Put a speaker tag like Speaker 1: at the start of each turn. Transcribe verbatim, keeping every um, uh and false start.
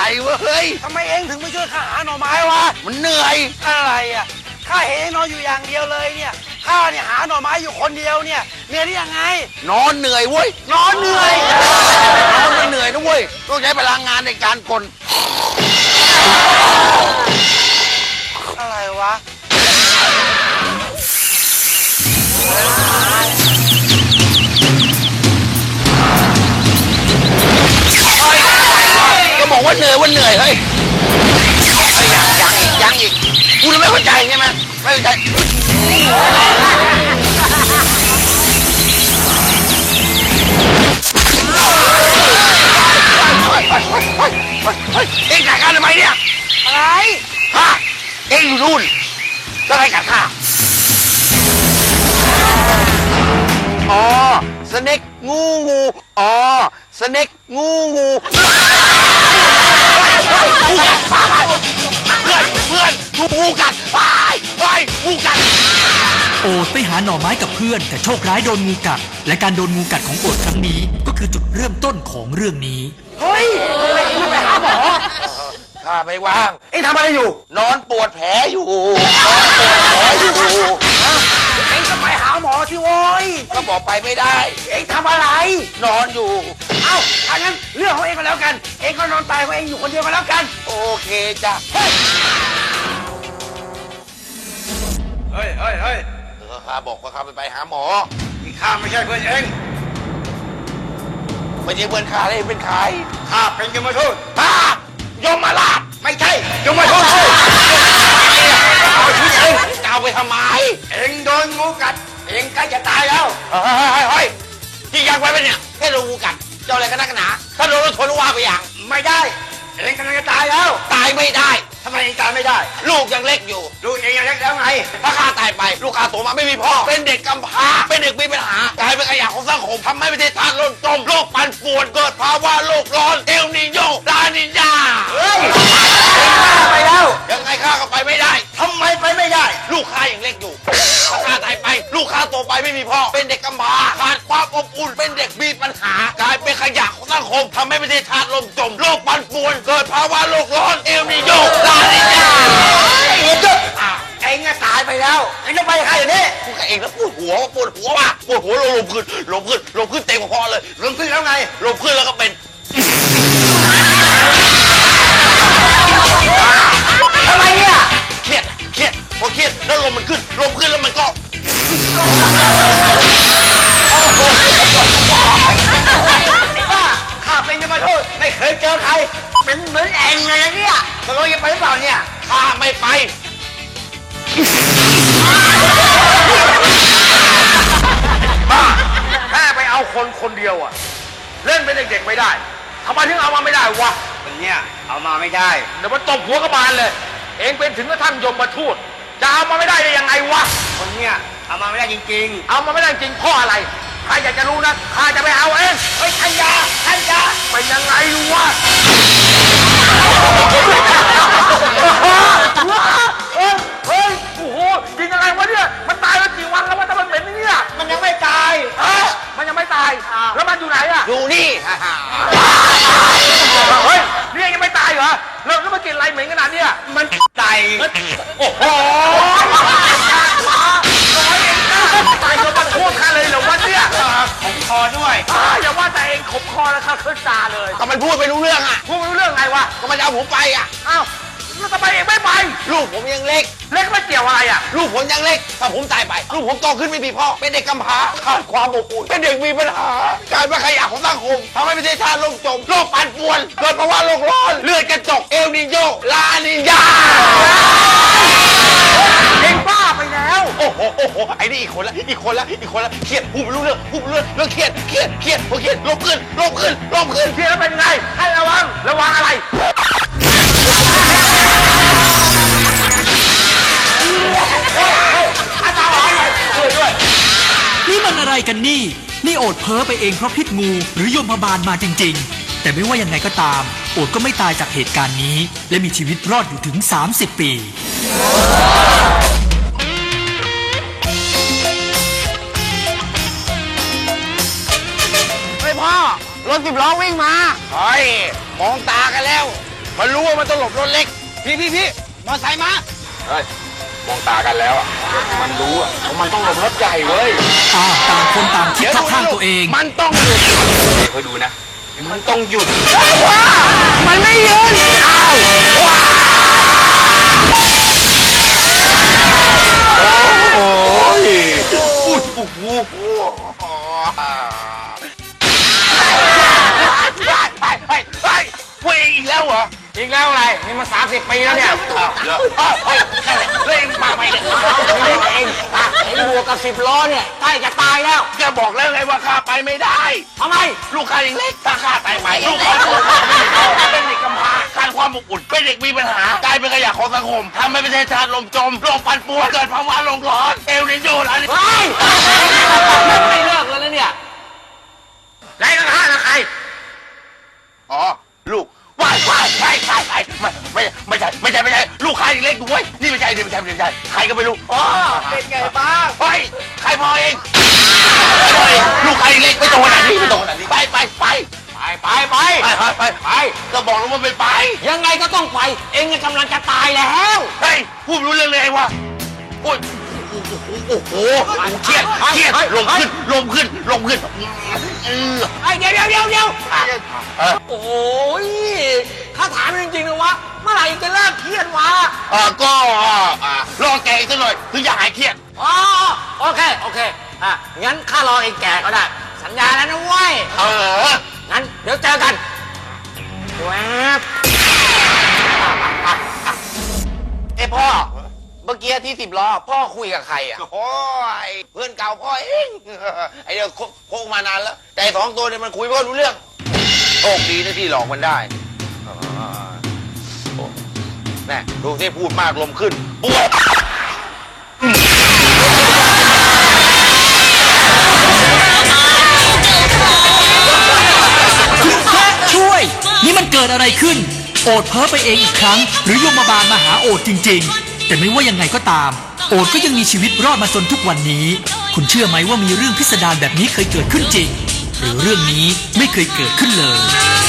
Speaker 1: เว้ย
Speaker 2: ทำไมเองถึงไม่ช่วยข้าหาหน่อไม้วะ
Speaker 1: มันเหนื่อย
Speaker 2: อะไรอ่ะข้าเห็นเองนอนอยู่อย่างเดียวเลยเนี่ยข้าเนี่ยหาหน่อไม้อยู่คนเดียวเนี่ยเหนื่อยได้ยังไง
Speaker 1: นอนเหนื่อยเว้ย
Speaker 2: นอนเหนื่อย
Speaker 1: นอนไม่เหนื่อยนะเว้ยต้องใช้พลังงานในการกล
Speaker 2: อะไรวะ
Speaker 1: ก็บอกว่าเหนื่อยว่าเหนื่อยเฮ้ยยังยังอีกยังอีกกูไม่เข้าใจใช่ไหมไม่เข้าใจเอ็งกัดข้าทำไมเนี่ย
Speaker 2: อะไร
Speaker 1: ฮะเอ็งอยู่นู่นแล้วใครกัดข้าอ๋อสเน็กงูงูอ๋อสเน็กงูงูเพื่อนเพื่อนงูกัดไปไปงูกัด
Speaker 3: โอดไปหาหน่อไม้กับเพื่อนแต่โชคร้ายโดนงูกัดและการโดนงูกัดของโอดครั้งนี้ก็คือจุดเริ่มต้นของเรื่องนี้
Speaker 2: เฮ้ยทำไมเอ็งไม่ไปหาหมอ
Speaker 1: ข้าไม่ว่าง
Speaker 2: เอ็งทำอะไรอยู่
Speaker 1: นอนปวดแผลอยู่นอนปวดแผลอยู่
Speaker 2: เอ็งก็ไปหาหมอสิโว้ย
Speaker 1: ก็บอกไปไม่ได้
Speaker 2: เอ็งทำอะไร
Speaker 1: นอนอยู่
Speaker 2: เอ้าถ้างั้นเรื่องของเอ็งก็แล้วกันเอ็งก็นอนตายของเอ็งอยู่คนเดียวก็แล้วกัน
Speaker 1: โอเคจ้ะ
Speaker 2: เฮ้ยเฮ้ยเฮ้ย
Speaker 1: เออข้าบอกว่าข้าไปไปหาหมอ
Speaker 2: ที่ข้าไม่ใช่เพื่อนเอ็ง
Speaker 1: ไม่ใช่เพื่อนข้าเลยเป็นใคร
Speaker 2: ข้าเป็นยมทูต
Speaker 1: ข้ายมราช
Speaker 2: ไม่ใช่ยมทูต
Speaker 1: เอาชีวิตเอ็งจะเอาไปทำไม
Speaker 2: เอ็งโดนงูกัดเอ็งใกล้จะตายแล้ว
Speaker 1: เฮ้ยเฮ้ยเฮ้ยที่ยังไว้เป็นเนี่ยแค่โดนงูกัดเจ้าอะไรกันนักหนาถ้าโดนรถชนว่าไปอย่าง
Speaker 2: ไม่ได้เอ็งกำลังจะตายแล้ว
Speaker 1: ตายไม่ได้
Speaker 2: ทำไมเอ็งตายไม่ได้
Speaker 1: ลูกยังเล็กอยู่
Speaker 2: ลูกเอ็งยังเล็กแล้วไง
Speaker 1: ถ้าข้าตายไปลูกข้าโตมาไม่มีพ่อเป็นเด็กกำพร้าเป็นเด็กมีปัญหากลายเป็นขยะของสังคมทำให้ประเทศชาติล่มจมโลกปั่นป่วนเกิดภาวะโลกร้อนเอลนิโยลานิญา
Speaker 2: เฮ้ยเอ็งบ้าไปแล้ว
Speaker 1: ยังไงข้าก็ไปไม่ได้
Speaker 2: ทำไมไปไม่ได้
Speaker 1: ลูกข้ายังเล็กอยู่ถ้าข้าตายไปลูกข้าโตไปไม่มีพ่อเป็นเด็กกำพร้าขาดความอบอุ่นเป็นเด็กมีปัญหากลายเป็นขยะของสังคมทำให้ประเทศชาติล่มจมโลกปั่นป่วนเกิดภาวะโลกร้อนเอลนิโยลานิญา
Speaker 2: เอ็งจะเอ็งจะตายไปแล้วเอ็งจะไปใครอย่างนี้
Speaker 1: พูดกับเองแล้วปวดหัวปวดหัวว่ะปวดหัวลมขึ้นลมขึ้นลมขึ้นเต็มคอเลย
Speaker 2: ลมขึ้นแล้วไง
Speaker 1: ลมขึ้นแล้วก็เป็น
Speaker 2: ทำไมเนี่ย
Speaker 1: เครียดเครียดพอเครียดแล้วลมมันขึ้นลมขึ้นแล้วมันก็
Speaker 2: ว่าข้าเป็นยมทูตไม่เคยเจอใครเป็นเหมือนเอ็งเลยนะเนี่ยตกลงจะไปหรือเปล่าเนี่ย
Speaker 1: ข้าไม่ไป
Speaker 2: บ้าแค่ไปเอาคนคนเดียวอะเล่นเป็นเด็กๆไม่ได้ทำไมถึงเอามาไม่ได้วะคนเนี้ยเอามาไม่ได้เดี๋ยวมันตบหัวกระบาลเลยเองเป็นถึงกระทั่งยมมาทูตจะเอามาไม่ได้ได้ยังไงวะคนเนี้ยเอามาไม่ได้จริงๆเอามาไม่ได้จริงเพราะอะไรใครอยากจะรู้นะข้าจะไปเอาเองเฮ้ยทันยาทันยาเป็นยังไงวะเฮ้ยเฮ้ยโอ้โหยิงอะไรวะเนี่ยมันตายมากี่วันแล้ววะแต่มันเหม็นเนี่ยมันยังไม่ตายเฮ้ยมันยังไม่ตายแล้วมันอยู่ไหนอะ
Speaker 1: อยู่นี่
Speaker 2: เฮ้ยนี่ยังไม่ตายเหรอแล้วแล้วมันกินอะไรเหม็นขนาดนี้มันตายโอ้โหตายก็มาพูดข้าเลยเหรอวะเนี่ยขมคอด้วยอย่าว่าแต่เองขมคอแล้วข้าขึ้นตาเลย
Speaker 1: ก็มันพูดไม่รู้เรื่องอะ
Speaker 2: พูดไม่รู้เรื่องไงวะ
Speaker 1: ก็มันจะเอาผมไปอะ
Speaker 2: อ้าวแล้วทำไมเองไม่ไป
Speaker 1: ลูกผมยังเล็ก
Speaker 2: เล็กไม่เกี่ยวอะไรอ่ะ
Speaker 1: ลูกผมยังเล็กถ้าผมตายไปลูกผมโตขึ้นไม่มีพ่อเป็นเด็กกำพร้าขาดความอบอุ่นเป็นเด็กมีปัญหากลายเป็นขยะของสังคมทำให้ประเทศชาติล่มจมโลกปั่นป่วนเกิดภาวะโลกร้อนเลือดกระจกเอลนิโยลานิญา
Speaker 2: เองบ้าไปแล้ว
Speaker 1: โอ้โหโอ้โหไอ้นี่อีกคนละอีกคนละอีกคนละเครียดพูดไม่รู้เรื่องพูดไม่รู้เรื่องเรื่องเครียดเครียดเครียดพอเครียดลบขึ้นลบขึ้นลบขึ้น
Speaker 2: เครียดแล้วเป็นไงให้ระวังระวังอะไร
Speaker 3: นี่มันอะไรกันนี่นี่โอดเพ้อไปเองเพราะพิษงูหรือยมพบาลมาจริงๆแต่ไม่ว่ายังไงก็ตามโอดก็ไม่ตายจากเหตุการณ์นี้และมีชีวิตรอดอยู่ถึงสามสิบปี
Speaker 1: เฮ้ยพ่อรถสิบล้อวิ่งมาเฮ้ยมองตากันแล้วมันรู้ว่ามันต้องหลบรถเล็ก พี่พี่พี่มอไซค์มา
Speaker 2: เฮ้ยมองตากันแล้วอ่ะมันรู้อ่ะว่ามันต้องหลบรถใหญ่เว้ย
Speaker 3: อ้าวต่างคนต่างคิดเข้าข้างตัวเอง
Speaker 1: มันต้องหยุด
Speaker 2: คอยดูนะมันต้องหยุด
Speaker 1: มันไม่หยุดอ้าวว้าโอ้ยอุ้ยโอ้โหไปไปไปเว้ยอีกแล้วเหรอ
Speaker 2: อีกแล้วอะไรนี่มาสามสิบปีแล้วเนี่ย
Speaker 1: เดี๋ยวเฮ้ยเล่นมาไปเนี่ย
Speaker 2: เองเองไอ้บวกกับสิบล้อเนี่ยใกล้จะตายแล้ว
Speaker 1: แกบอกแล้วไงว่าข้าไปไม่ได้
Speaker 2: ทำไม
Speaker 1: ลูกค้ายังเล็กถ้าข้าตายไปลูกค้าตัวใหญ่เป็นเด็กกำพร้าขาดความอบอุ่นเป็นเด็กมีปัญหากลายเป็นขยะของสังคมทำให้ประเทศชาติล่มจมโลกปั่นป่วนเกิดภาวะโลกร้อนเอลนิโยอะไร
Speaker 2: เฮ้ยไม่เลิกแล้วนะเนี่ยไหนกันห้านะใคร
Speaker 1: อ๋อลูกว้ายว้ายว้ายว้ายว้ายไม่ไม่ไม่ใช่ไม่ใช่ไม่ใช่ลูกค้ายังเล็กด้วยนี่ไม่ใช่นี่ไม่ใช่ไม่ใช่ใครก็ไม่รู้อ๋อ
Speaker 2: เป็นไงบ้าง
Speaker 1: เฮ้ยใครพอเองเฮ้ยลูกค้ายังเล็กไม่โตขนาดนี้ไม่โตขนาดนี้ไปไปไป
Speaker 2: ไปไปไป
Speaker 1: ไปไปไปไปก็บอกแล้วว่าไม่ไป
Speaker 2: ยังไงก็ต้องไปเองกำลังจะตายแล้ว
Speaker 1: เฮ้ยพูดไม่รู้เรื่องเลยไงวะโอ้ยโอ้โหโอ้โหเครียดเครียดลมขึ้นลมขึ้นลมขึ้นเออ
Speaker 2: ไอ้เดี๋ยวเดี๋ยวเดี๋ยวเดี๋ยว
Speaker 1: เออ
Speaker 2: โอ้ยถ้าถามจริงๆนะวะเมื่อไหร่จะเลิกเครียดวะ
Speaker 1: เออก็อ่ารอแกอีกสักหน่อยถึงจะหายเครียด
Speaker 2: อ๋อโอเคโอเคอ่ะงั้นข้ารอเองแก่ก็ได้สัญญาแล้วนะเว้ย
Speaker 1: เออ
Speaker 2: งั้นเดี๋ยวเจอกันแวบ
Speaker 1: เอ้พ่อเมื่อกี้ที่สิบล้อพ่อคุยกับใครอ่ะโอ้ยเพื่อนเก่าพ่อเองไอเดียวโคกมานานแล้ว แต่สองตัวเนี่ยมันคุยไม่ค่อยรู้เรื่องโชคดีนะที่หลอกมันได้โอ้แน่ดูที่พูดมากลมขึ้นปวด
Speaker 3: คุณพระช่วย นี่มันเกิดอะไรขึ้น โอดเพ้อไปเองอีกครั้ง หรือยมบาลมาหาโอดจริงๆ แต่ไม่ว่ายังไงก็ตาม โอดก็ยังมีชีวิตรอดมาจนทุกวันนี้ คุณเชื่อไหมว่ามีเรื่องพิสดารแบบนี้เคยเกิดขึ้นจริง หรือเรื่องนี้ไม่เคยเกิดขึ้นเลย